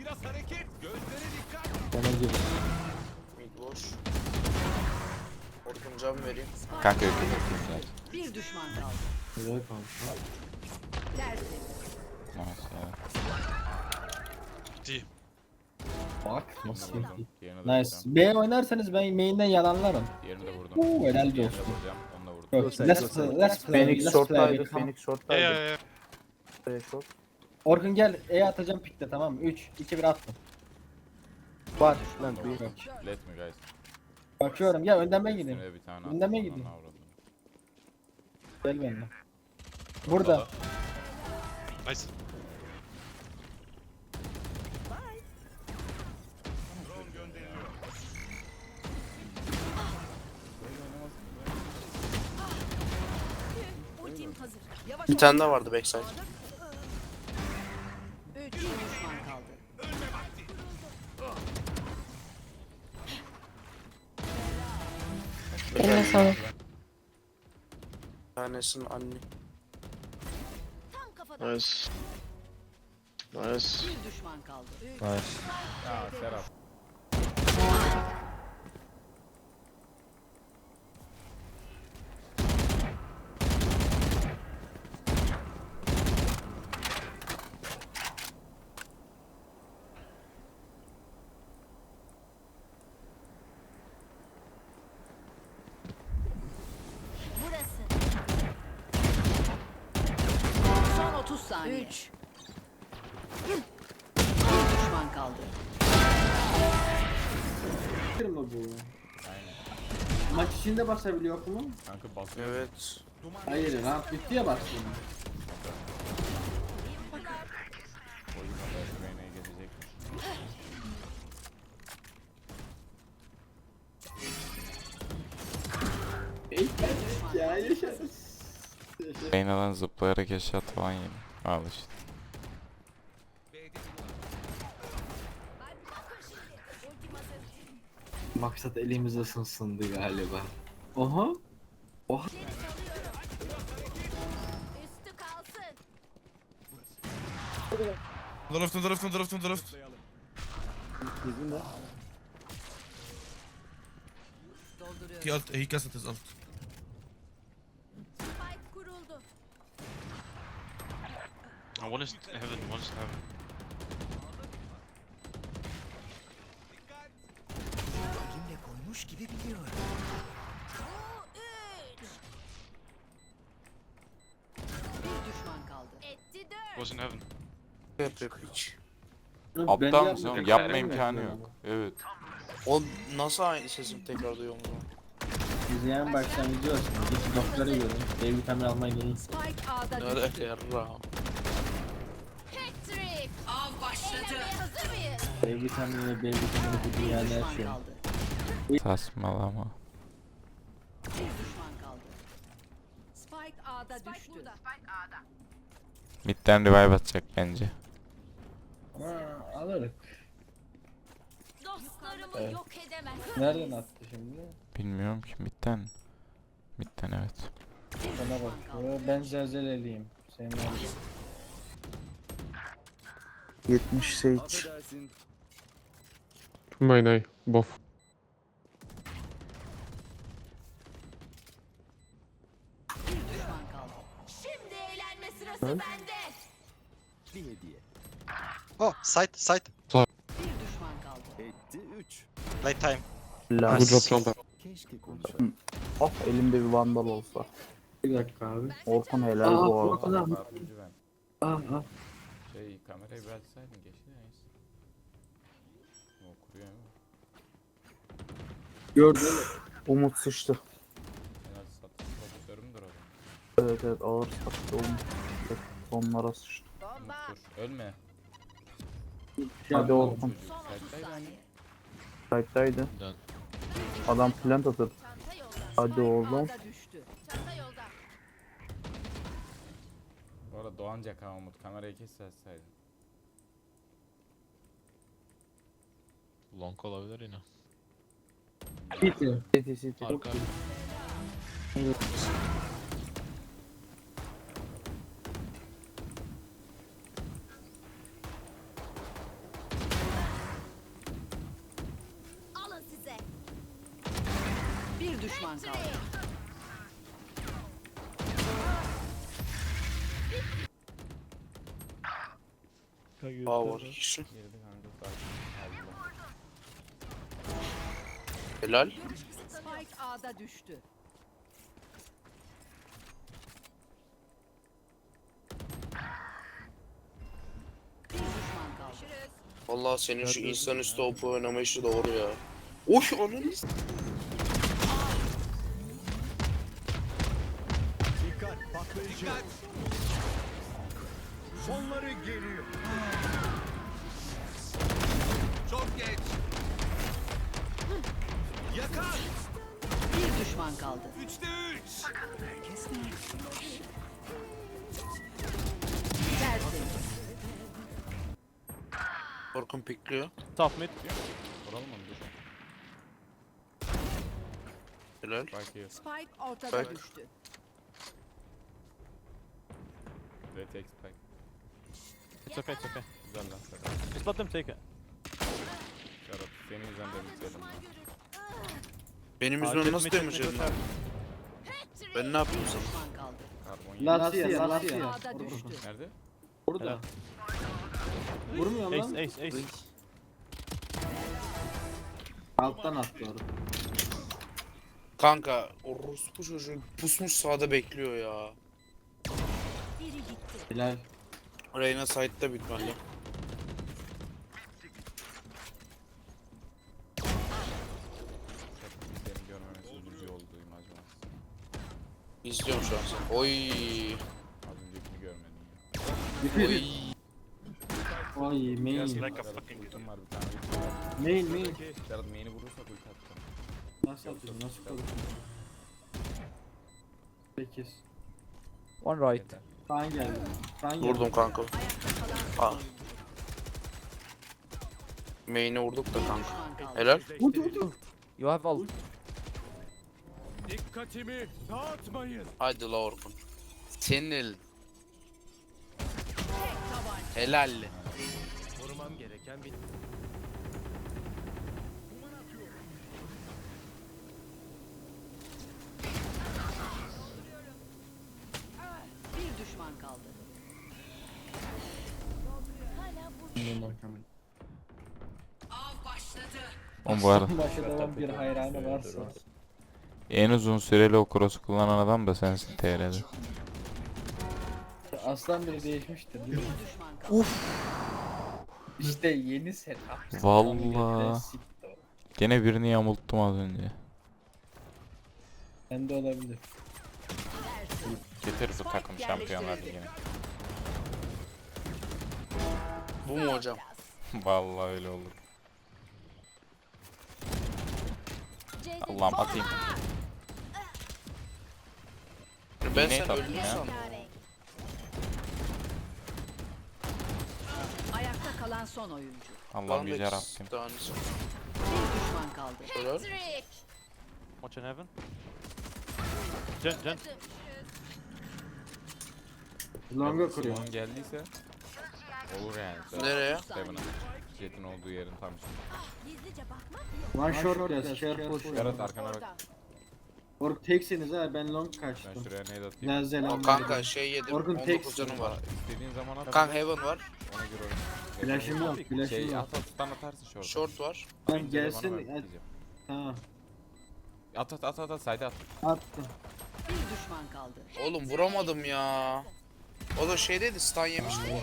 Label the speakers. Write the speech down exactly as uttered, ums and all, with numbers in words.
Speaker 1: Biraz hareket. Gözlere dikkat.
Speaker 2: Bana gir.
Speaker 3: Mid boş. Orkun cam vereyim.
Speaker 4: Kanka yok yok.
Speaker 5: Bir düşman kaldı.
Speaker 2: Güzel kanka.
Speaker 5: Tertemiz.
Speaker 4: Nice ya.
Speaker 6: Değil.
Speaker 2: Bak nasıl
Speaker 4: Diğerini
Speaker 2: iyi.
Speaker 4: vurdum. Diğerini de
Speaker 2: Nice.
Speaker 4: vuracağım.
Speaker 2: B oynarsanız ben main'den yalanlarım.
Speaker 4: Diğerini de vurdum.
Speaker 2: Oo, helal
Speaker 4: Diğerini de
Speaker 2: olsun.
Speaker 4: vuracağım. Onu da vurdum.
Speaker 2: Yok, let's play, let's play,
Speaker 3: Phoenix
Speaker 2: let's play.
Speaker 3: short'taydı.
Speaker 2: bir-
Speaker 3: Phoenix
Speaker 6: Ya
Speaker 3: short'taydı.
Speaker 6: ya ya.
Speaker 3: Play short.
Speaker 2: Orkun gel, E atacağım pikte tamam mı? üç, iki, bir attım. Var. Lan bir yok.
Speaker 4: Let me guys.
Speaker 2: Bakıyorum ya önden ben gideyim.
Speaker 4: Üstüne bir tane
Speaker 2: Önden ben
Speaker 4: attım,
Speaker 2: gideyim.
Speaker 4: ananı avradım.
Speaker 2: Gel benimle. Burada.
Speaker 6: Nice.
Speaker 5: Ultim hazır. Yavaş
Speaker 3: Bir
Speaker 5: ol.
Speaker 3: tane daha vardı backside.
Speaker 5: Üç. Bir düşman kaldı.
Speaker 7: Eline sağlık.
Speaker 3: Bir tanesinin anne.
Speaker 5: Tam kafadan.
Speaker 8: Nice. Nice.
Speaker 5: Bir düşman kaldı. Üç.
Speaker 4: Ya Serap.
Speaker 5: Burası. Son otuz saniye. Üç. Bir düşman kaldı.
Speaker 2: Kırma bu. Maç içinde basabiliyor mu?
Speaker 4: Kanka basıyor.
Speaker 3: Evet.
Speaker 2: Hayır lan bitti ya bastım.
Speaker 4: Oyun kadar güveneye gelecek.
Speaker 2: Ya yaşarız.
Speaker 4: Reyna'dan zıplayarak eşya falan yedim. Al işte.
Speaker 2: Maksat elimiz ısınsındı galiba. Oha. Oha.
Speaker 5: Üstü kalsın.
Speaker 6: On the left, on the left, on the left, on the left.
Speaker 5: Dolduruyorum.
Speaker 6: He alt, he casted his alt.
Speaker 5: Spike kuruldu.
Speaker 8: Oh, one is heaven, one is heaven.
Speaker 5: Bir düşman kaldı. Etti dört.
Speaker 8: Was in heaven.
Speaker 3: Yapıyor hiç.
Speaker 4: Aptal mısın oğlum? Yapma imkanı yok. Evet.
Speaker 3: O nasıl aynı sesim tekrar duyuyorum o zaman?
Speaker 2: İzleyen başlangıcı olsun. Git doktora görün. D vitamin almaya gelin.
Speaker 5: Spike A'da
Speaker 3: Ne
Speaker 5: düştü.
Speaker 3: alaka yarra.
Speaker 5: Patrick. Av başladı. Hazır mıyız?
Speaker 2: D vitamini ve B vitamini bu
Speaker 5: Bir
Speaker 2: dünyada
Speaker 5: düşman
Speaker 2: yaşıyor.
Speaker 5: kaldı.
Speaker 4: Saçmalama.
Speaker 5: Bir düşman kaldı. Spike A'da düştü.
Speaker 4: Midden revive atacak bence.
Speaker 2: Aa, alırız.
Speaker 5: Dostlarımı
Speaker 2: Evet.
Speaker 5: yok edemez.
Speaker 2: Nereden attı şimdi?
Speaker 4: Bilmiyorum ki midden. Midden evet.
Speaker 2: Bana bak. Ben zelzeleliyim. Senin nerede?
Speaker 3: yetmiş Sage.
Speaker 8: Mine eye, both.
Speaker 5: Bir düşman kaldı. Şimdi eğlenme sırası bende.
Speaker 6: Oh, side, side.
Speaker 5: Bir düşman kaldı.
Speaker 6: Late time.
Speaker 8: Good job, Champa.
Speaker 3: Oh elimde bir vandal olsa.
Speaker 2: Bir dakika abi.
Speaker 3: Orkun helal
Speaker 2: Aa,
Speaker 3: bu arada.
Speaker 2: Orkun abi.
Speaker 4: Dördüncü ben.
Speaker 2: Aa, aa.
Speaker 4: Şey kamerayı bir açsaydın geçti neyse. O kuruyor mu?
Speaker 2: Gördün mü?
Speaker 3: Umut sıçtı.
Speaker 4: En az satış prodüktörümdür o zaman.
Speaker 3: Evet evet ağır sattı Umut. Onlara sıçtı.
Speaker 4: Umut dur. Ölme.
Speaker 3: Hadi Orkun.
Speaker 4: Çocuk
Speaker 5: Son otuz
Speaker 4: site'daydı.
Speaker 5: saniye.
Speaker 3: Site'daydı. Adam plant atır.
Speaker 5: Çanta yolda.
Speaker 3: Hadi
Speaker 5: Spike
Speaker 3: oğlum.
Speaker 5: A'da düştü. Çanta yolda.
Speaker 4: Bu arada Doğancak ha Umut. Kamerayı kes açsaydın.
Speaker 8: Long olabilir yine.
Speaker 2: Bitti.
Speaker 3: City City.
Speaker 8: Arka.
Speaker 5: Bir düşman kaldı.
Speaker 7: Power kişi.
Speaker 4: Girdi kanka sakin. Allah.
Speaker 7: Helal.
Speaker 5: Spike A'da düştü. Bir düşman kaldı.
Speaker 7: Vallahi senin şu insanüstü O P oynamayışı doğru ya. Oy ananı s-
Speaker 1: Dikkat patlayıcı. Dikkat. Sonları geliyor. Çok geç. Yakar.
Speaker 5: Bir düşman kaldı.
Speaker 1: Üçte üç.
Speaker 5: Tertemiz.
Speaker 7: Orkun pikliyor.
Speaker 3: Top mid.
Speaker 4: Vuralım mı? Dur.
Speaker 7: Helal.
Speaker 4: Spike here.
Speaker 5: Spike ortada
Speaker 7: Spike.
Speaker 5: düştü.
Speaker 4: They take spike.
Speaker 3: It's okay, it's okay.
Speaker 4: Güzel lan Serhat.
Speaker 3: Just let them take it.
Speaker 4: Serhat senin yüzünden de bitirelim lan.
Speaker 7: Benim
Speaker 3: Aa,
Speaker 7: yüzümden
Speaker 3: check
Speaker 7: nasıl
Speaker 3: mid, check
Speaker 7: damage
Speaker 3: mid,
Speaker 7: yedin
Speaker 3: check
Speaker 7: lan? Ben ne yapayım sana?
Speaker 5: Düşman kaldı.
Speaker 4: Karbon yedi.
Speaker 2: Lasya,
Speaker 5: Spike
Speaker 2: Lasya.
Speaker 5: A'da düştü.
Speaker 4: Nerede?
Speaker 2: Burada. Vurmuyor lan.
Speaker 3: Ace, ace, ace.
Speaker 2: Alttan attı doğru.
Speaker 7: Kanka orospu çocuğu pusmuş sağda bekliyor ya.
Speaker 2: Helal.
Speaker 7: Reyna side'da bitmeli.
Speaker 4: Bizlerin görmemesi üzücü oldu acaba.
Speaker 7: İzliyorum şu an seni. Oy.
Speaker 4: Az öncekini görmedim ya.
Speaker 7: Oy.
Speaker 2: Oy main.
Speaker 4: Serhat ultim var bir tane. ultim var.
Speaker 2: Main main.
Speaker 4: Serhat main'i vurursak ulti atacağım.
Speaker 2: Nasıl atıyorsun? Nasıl koydun? sekiz.
Speaker 3: One right.
Speaker 4: Yeter.
Speaker 2: Kaan geldi. Kaan geldi.
Speaker 7: Vurdum kanka.
Speaker 5: Ayakta
Speaker 7: Aa.
Speaker 5: kalan
Speaker 7: Main'e vurduk da kanka.
Speaker 5: düşman kaldı.
Speaker 7: Helal.
Speaker 2: Vurdu vurdu.
Speaker 3: You have ult.
Speaker 1: Dikkatimi dağıtmayın.
Speaker 7: Hadi la Orkun. Senin elin.
Speaker 5: Tek tabanca.
Speaker 7: Helal.
Speaker 1: Korumam gereken bir...
Speaker 5: Bir düşman kaldı. Av başladı.
Speaker 9: Oğlum bu arada
Speaker 2: Başa devam bir hayranı varsa.
Speaker 9: en uzun süreli o cross'u kullanan adam da sensin T R'de.
Speaker 2: Aslan bile değişmiştir değil
Speaker 5: Bir
Speaker 2: mi?
Speaker 5: düşman kaldı.
Speaker 2: İşte yeni setup.
Speaker 9: Vallahi. Gene birini yamulttum az önce.
Speaker 2: Bende olabilir.
Speaker 9: Getir bu takım şampiyonlar ligine.
Speaker 7: Bu mu hocam?
Speaker 9: Vallahi öyle olur. Allah'ım atayım.
Speaker 7: Ben
Speaker 9: Neye
Speaker 7: sen
Speaker 9: taktın
Speaker 7: öldün
Speaker 9: ya?
Speaker 7: sandım.
Speaker 5: Ayakta kalan son oyuncu.
Speaker 9: Allah'ım
Speaker 7: Ben
Speaker 9: yüce
Speaker 7: de
Speaker 9: Rabbim.
Speaker 7: tanesi.
Speaker 5: Bir düşman kaldı.
Speaker 7: Helal.
Speaker 3: Watch in heaven. Jen, Jen.
Speaker 2: Longa kuruyor.
Speaker 4: Simon geldiyse olur yani. Serhat.
Speaker 7: Nereye?
Speaker 4: Seven'a. Jet'in olduğu yerin tam üstünde.
Speaker 2: One short yaz. Share push.
Speaker 4: Serhat arkana bak.
Speaker 2: Ork teksiniz ha ben long
Speaker 4: Ben
Speaker 2: kaçtım.
Speaker 4: şuraya nade atayım.
Speaker 2: Güzel
Speaker 7: O
Speaker 2: zelam.
Speaker 7: kanka şey yedim.
Speaker 2: Orkun
Speaker 7: on dokuz
Speaker 2: tek
Speaker 7: canım var.
Speaker 4: İstediğin zaman at.
Speaker 7: Kanka heaven var.
Speaker 4: Ona göre oynayalım.
Speaker 2: Flash'ım yok. Flash'ım
Speaker 4: Şey
Speaker 2: yok.
Speaker 4: at at stun atarsın short.
Speaker 7: Short var.
Speaker 2: Lan gelsin. Ha.
Speaker 4: At at at at at side at.
Speaker 2: Attım.
Speaker 5: Bir düşman kaldı.
Speaker 7: Oğlum vuramadım ya. O da şeydeydi stun yemişti bu